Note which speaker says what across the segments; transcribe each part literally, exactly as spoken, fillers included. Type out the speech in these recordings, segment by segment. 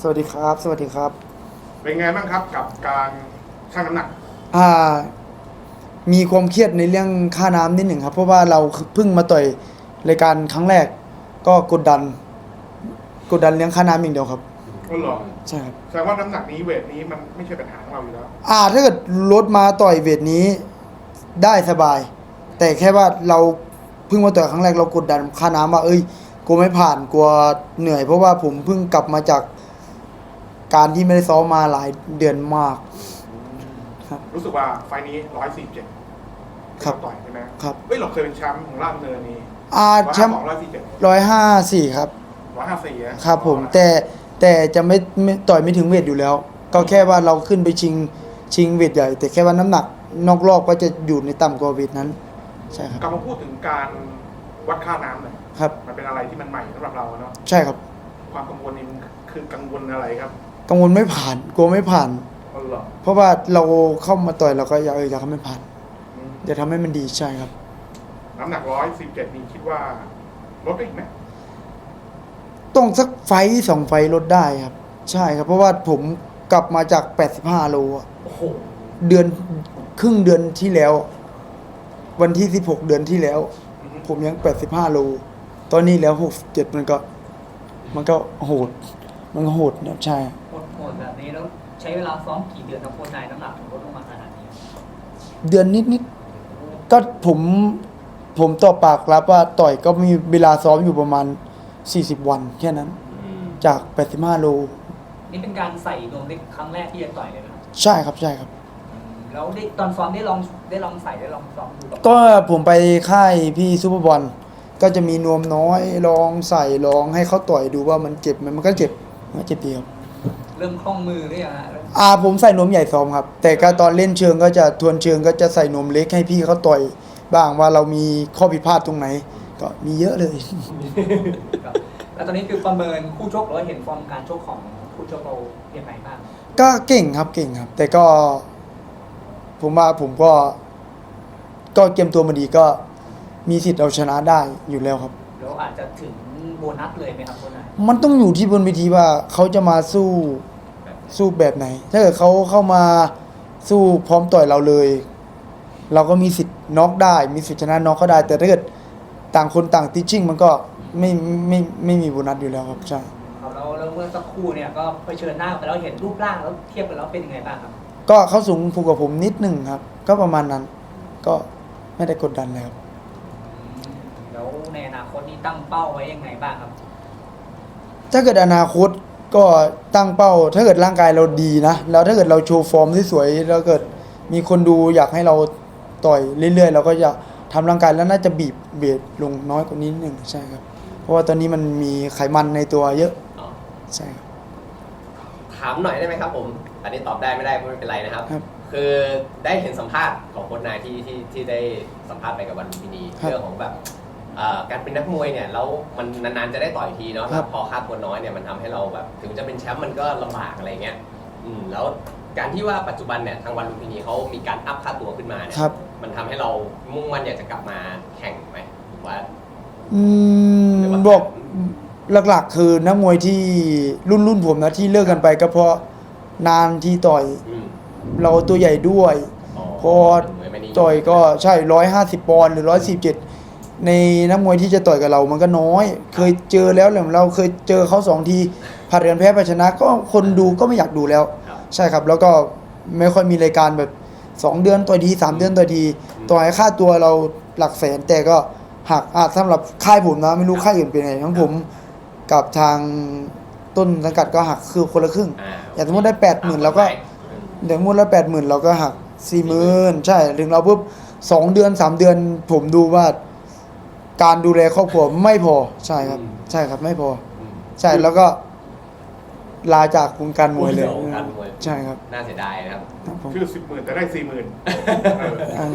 Speaker 1: สวัสดีครับสวัสดีครับ
Speaker 2: เป็นไงบ้างครับกับการชั่งน้ำหนัก
Speaker 1: อ่ามีความเครียดในเรื่องค่าน้ำนิดหนึ่งครับเพราะว่าเราเพิ่งมาต่อยรายการครั้งแรกก็กดดันกดดันเรื่องค่าน้ำอย่างเดียวครับ
Speaker 2: ก็หรอ
Speaker 1: ใช่ครับ
Speaker 2: แสดงว่าน้ำหนักนี้เวทนี้มันไม่ใช่ปัญหาของเราอยู่แล้ว
Speaker 1: อ่าถ้าเกิดลดมาต่อยเวทนี้ได้สบายแต่แค่ว่าเราเพิ่งมาต่อยครั้งแรกเรากดดันค่าน้ำว่าเอ้ยกลัวไม่ผ่านกลัวเหนื่อยเพราะว่าผมเพิ่งกลับมาจากการที่ไม่ได้ซ้อมมาหลายเดือนมากครับ
Speaker 2: รู้สึกว่าไฟนี้ร้อยสี่เจ็ด
Speaker 1: ครับ
Speaker 2: ต่อยใช่ไหม
Speaker 1: ครับ
Speaker 2: เฮ้ยเราเคยเป็นแชมป์ของราชดำเนินนี่
Speaker 1: อ่า
Speaker 2: ร้อย
Speaker 1: แชมป์
Speaker 2: สองร้อยสี่เจ็ด
Speaker 1: ร้อยห้าสี่ครับ
Speaker 2: ร้อยห้าสี่ค
Speaker 1: ครับผมแต่แต่จะไม่ไม่ต่อยไม่ถึงเวทอยู่แล้ว ก็แค่ว่าเราขึ้นไปชิงชิงเวทใหญ่ แต่แค่ว่าน้ำหนักนอกรอบก็จะอยู่ในต่ำกว่าเวทนั้นใช่ครับ
Speaker 2: กลับมาพูดถึงการวัดค่าน้ำหน่อย
Speaker 1: ครับ
Speaker 2: มันเป็นอะไรที่มันใหม่สำหรับเราเนาะ
Speaker 1: ใช่ครับ
Speaker 2: ความกังวลนี่มันคือกังวลอะไรครับ
Speaker 1: กังวลไม่ผ่านกลัวไม่ผ่าน
Speaker 2: อ๋อเหรอ
Speaker 1: เพราะว่าเราเข้ามาต่อยเราก็อยากเอออยากให้มันผ่าน
Speaker 2: อืม
Speaker 1: อยากทำให้มันดีใช่ครับ
Speaker 2: น้ำหนักร้อยสิบเจ็ดนี่คิดว่าลดได้อีกไหม
Speaker 1: ต้องสักไฟต์สองไฟต์ลดได้ครับ ใช่ครับ เพราะว่าผมกลับมาจากแปดสิบห้าโลอะ
Speaker 2: โอ้โห
Speaker 1: เดือนครึ่งเดือนที่แล้ว วันที่สิบหกเดือนที่แล้ว
Speaker 2: อืม
Speaker 1: ผมยังแปดสิบห้าโล ตอนนี้แล้วหกสิบเจ็ดมันก็ มันก็โหด มันก็โหดนะใช่
Speaker 3: โหดๆแบบนี้แล้วใช้เวลาซ้อมกี่เดือนครับโค้ชนายน้ำหนักถึงลดลงมาขนาดนี้
Speaker 1: เดือนนิดนิดก็ผม ผมต่อปากรับว่าต่อยก็มีเวลาซ้อมอยู่ประมาณสี่สิบวันแค่นั้น จากแปดสิบห้าโล
Speaker 3: นี่เป็นการใส่นวมเล็กครั้งแรกที่จะต่อยเลยนะครับ
Speaker 1: ใช่ครับใช่ครับ
Speaker 3: แล้วได้ตอนซ้อมได้ลองได้ลองใส่ได้ลองซ้อมดูกับ
Speaker 1: ก็ผมไปค่ายพี่ซูเปอร์บอลก็จะมีนวมน้อยลองใส่ลองให้เขาต่อยดูว่ามันเจ็บไหมมันก็เจ็บมันเจ็บดีครับ
Speaker 3: เริ่มคล่องมือหรือยังฮะเริ่ม
Speaker 1: อ่าผมใส่นวมใหญ่ซ้อมครับ แต่ก็ตอนเล่นเชิงก็จะทวนเชิงก็จะใส่นวมเล็กให้พี่เขาต่อยบ้างว่าเรามีข้อผิดพลาดตรงไหน ก็มีเยอะเลย
Speaker 3: ครับแล้วตอนนี้คือประเมินคู่ชกหรือว่าเห็นฟอร์มการชกของคู่ชกเราอย่างไรบ้าง
Speaker 1: ก็เก่งครับเก่งครับ แต่ก็ ผมว่าผมก็ ก็เกมตัวมาดีก็มีสิทธิ์เอาชนะได้อยู่แล้วครับ
Speaker 3: แล้วอาจจะถึงโบนัสเลยไหมครับโค้ชนาย
Speaker 1: มันต้องอยู่ที่บนเวทีว่าเขาจะมาสู้สู้แบบไหน ถ้าเกิดเขาเข้ามาสู้พร้อมต่อยเราเลย เราก็มีสิทธิ์น็อกได้ มีสิทธิ์ชนะน็อกก็ได้ แต่ถ้าเกิดต่างคนต่างติชชิ่งมันก็ไม่ไม่ไม่มีโบนัสอยู่แล้วครับใช่
Speaker 3: ครับแล้วแล้วเมื่อสักครู่เนี่ยก็เผชิญหน้ากันแล้วเห็นรูปร่างแล้วเทียบกันแล้วเป็นยังไงบ้างครับ
Speaker 1: ก็เขาสูงผูกกับผมนิดหนึ่งครับ ก็ประมาณนั้น ก็ไม่ได้กดดันเลยครับ
Speaker 3: แล้วในอนาคตนี้ตั้งเป้าไว้ยังไงบ้างครับ
Speaker 1: ถ้าเกิดอนาคตก็ตั้งเป้า ถ้าเกิดร่างกายเราดีนะ แล้วถ้าเกิดเราโชว์ฟอร์มที่สวยแล้วเกิดมีคนดูอยากให้เราต่อยเรื่อยๆเราก็จะทำร่างกายแล้วน่าจะบีบเบรลงน้อยกว่านี้นิดหนึ่งใช่ครับ เพราะว่าตอนนี้มันมีไขมันในตัวเยอะใช่ครับ
Speaker 4: ถามหน่อยได้ไหมครับผมอันนี้ตอบได้ไม่ได้ไม่เป็นไรนะครับ
Speaker 1: ครับ
Speaker 4: คือได้เห็นสัมภาษณ์ของโค้ชนายที่ที่ที่ได้สัมภาษณ์ไปกับวันลุมพินี
Speaker 1: ครับ
Speaker 4: เรื่องของแบบเอ่อการเป็นนักมวยเนี่ยแล้วมันนานๆจะได้ต่อยทีเนาะ
Speaker 1: ครับ
Speaker 4: พอค่าตัวน้อยเนี่ยมันทำให้เราแบบถึงจะเป็นแชมป์มันก็ลำบากอะไรเงี้ยอืมแล้วการที่ว่าปัจจุบันเนี่ยทางวันลุมพินีเขามีการอัพค่าตัวขึ้นมาเนี่ย
Speaker 1: ครับ
Speaker 4: มันทำให้เรามุ่งมั่นอยากจะกลับมาแข่งไหมหรือว่า
Speaker 1: อืม
Speaker 4: หรือว่า
Speaker 1: บอกหลักๆ คือนักมวยที่รุ่นรุ่นผมนะที่เลิกกันไปก็เพราะนานที่ต่อย
Speaker 4: อืม
Speaker 1: เราตัวใหญ่ด้วย
Speaker 4: อ๋อ
Speaker 1: พอ
Speaker 4: เหมือนไม่นิม
Speaker 1: ต่อยก็ใช่ร้อยห้าสิบปอนด์หรือร้อยสี่เจ็ดในนักมวยที่จะต่อยกับเรามันก็น้อย เคยเจอแล้วแหละเราเคยเจอเขาสองทีผัดกันแพ้ไปชนะ ก็คนดูก็ไม่อยากดูแล้ว
Speaker 4: ครับ
Speaker 1: ใช่ครับ แล้วก็ไม่ค่อยมีรายการแบบสองเดือนต่อยทีสามเดือนต่อยทีต่อยค่าตัวเราหลักแสนแต่ก็หักอาจสำหรับค่ายผมนะไม่รู้ค่ายอื่นเป็นไงทั้งผมกับทางต้นสังกัดก็หักคือคนละครึ่ง
Speaker 4: อ่า
Speaker 1: อย่างสมมติได้แปดหมื่นเราก็
Speaker 4: อืม
Speaker 1: เดี๋ยวงวดละแปดหมื่นเราก็หักสี่หมื่นใช่ ถึงเราปุ๊บสองเดือนสามเดือน ผมดูว่า การดูแลครอบครัวไม่พอ ใช่ครับ
Speaker 4: อืม
Speaker 1: ใช่ครับไม่พอ
Speaker 4: อืม
Speaker 1: ใช่แล้วก็ลาจากวงการมวยเลย
Speaker 4: วงการมวย
Speaker 1: ใช่ครับ
Speaker 4: น่าเสียดายนะครับ
Speaker 1: ครับผม
Speaker 2: คือสิบหมื่นแต่ได้สี่หมื่น
Speaker 1: อ่า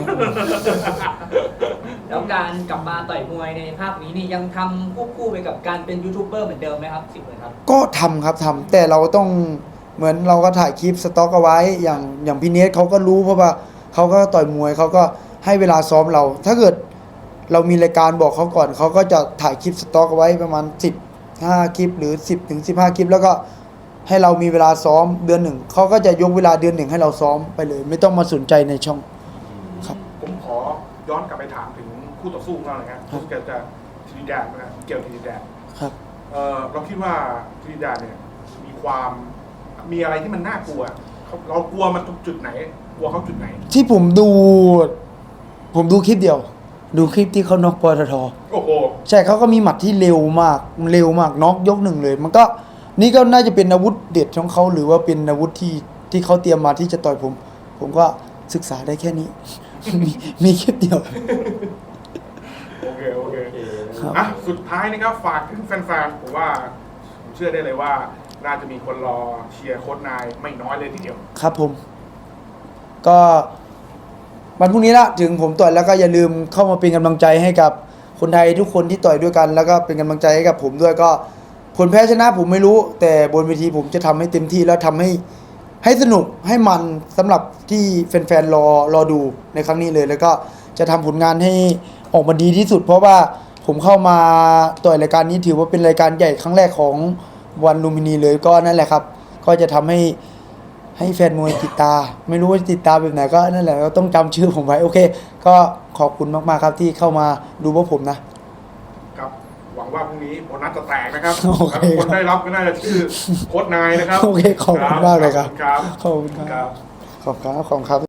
Speaker 3: แล้วการกลับมาต่อยมวยในภาคนี้นี่ยังทำควบคู่ไปกับการเป็นยูทูบเบอร์เหมือนเดิมไหมครับสิบเหมือนครับ
Speaker 1: ก็ทำครับทำแต่เราต้องเหมือนเราก็ถ่ายคลิปสต็อกเอาไว้ อย่างอย่างพี่เนสเขาก็รู้เพราะว่าเขาก็ต่อยมวยเขาก็ให้เวลาซ้อมเรา ถ้าเกิดเรามีรายการบอกเขาก่อนเขาก็จะถ่ายคลิปสต็อกเอาไว้ประมาณสิบห้าคลิปหรือสิบถึงสิบห้าคลิปแล้วก็ให้เรามีเวลาซ้อมเดือนหนึ่งเขาก็จะยกเวลาเดือนหนึ่งให้เราซ้อมไปเลย ไม่ต้องมาสนใจในช่อง ครับ
Speaker 2: ผมขอย้อนกลับไปถามถึงคู่ต่อสู้ของเราหน่อยครับ
Speaker 1: ครับ
Speaker 2: รู้สึกจะทรินิดาดนะครับเกี่ยวทรินิดาด
Speaker 1: ครับ
Speaker 2: เออเราคิดว่าทรินิดาดเนี่ยมีความมีอะไรที่มันน่ากลัวเขาเรากลัวมันตรงจุดไหน กลัวเขาจุดไหน
Speaker 1: ที่ผมดู ผมดูคลิปเดียว ดูคลิปที่เขาน็อกปตท
Speaker 2: โอ้โห
Speaker 1: ใช่เขาก็มีหมัดที่เร็วมากเร็วมากน็อกยกหนึ่งเลย มันก็นี่ก็น่าจะเป็นอาวุธเด็ดของเขาหรือว่าเป็นอาวุธที่ที่เขาเตรียมมาที่จะต่อยผม ผมก็ศึกษาได้แค่นี้ มีมีคลิปเดียว
Speaker 2: โอเค โอเค
Speaker 1: ครับ
Speaker 2: อ่ะสุดท้ายนะครับฝากถึงแฟนๆผมว่าผมเชื่อได้เลยว่า น่าจะมีคนรอเชียร์โค้ชนายไม่น้อยเลยทีเดียว
Speaker 1: ครับผม ก็วันพรุ่งนี้ละถึงผมต่อยแล้วก็อย่าลืมเข้ามาเป็นกำลังใจให้กับคนไทยทุกคนที่ต่อยด้วยกัน แล้วก็เป็นกำลังใจให้กับผมด้วยก็ผลแพ้ชนะผมไม่รู้ แต่บนเวทีผมจะทำให้เต็มที่แล้วทำให้ให้สนุกให้มันสำหรับที่แฟนๆรอรอดูในครั้งนี้เลย แล้วก็จะทำผลงานให้ออกมาดีที่สุด เพราะว่าผมเข้ามาต่อยรายการนี้ถือว่าเป็นรายการใหญ่ครั้งแรกของวันลูมพินีเลยก็นั่นแหละครับ ก็จะทำให้ให้แฟนมวยติดตา ไม่รู้ว่าติดตามแบบไหนก็นั่นแหละก็ต้องจำชื่อผมไว้โอเค ก็ขอบคุณมากๆครับที่เข้ามาดูพวกผมนะ
Speaker 2: ครับ หวังว่าพรุ่งนี้โบนัสจะแตกนะครับ
Speaker 1: โอเค
Speaker 2: แล้วคนได้รับก็น่าจะชื่อโค้ชนายนะครับ
Speaker 1: โอเคขอบคุณมากเลยครับ
Speaker 2: ครับ
Speaker 1: ขอบคุณครับ
Speaker 2: ครับ
Speaker 1: ขอบคุณครับขอบคุณครับ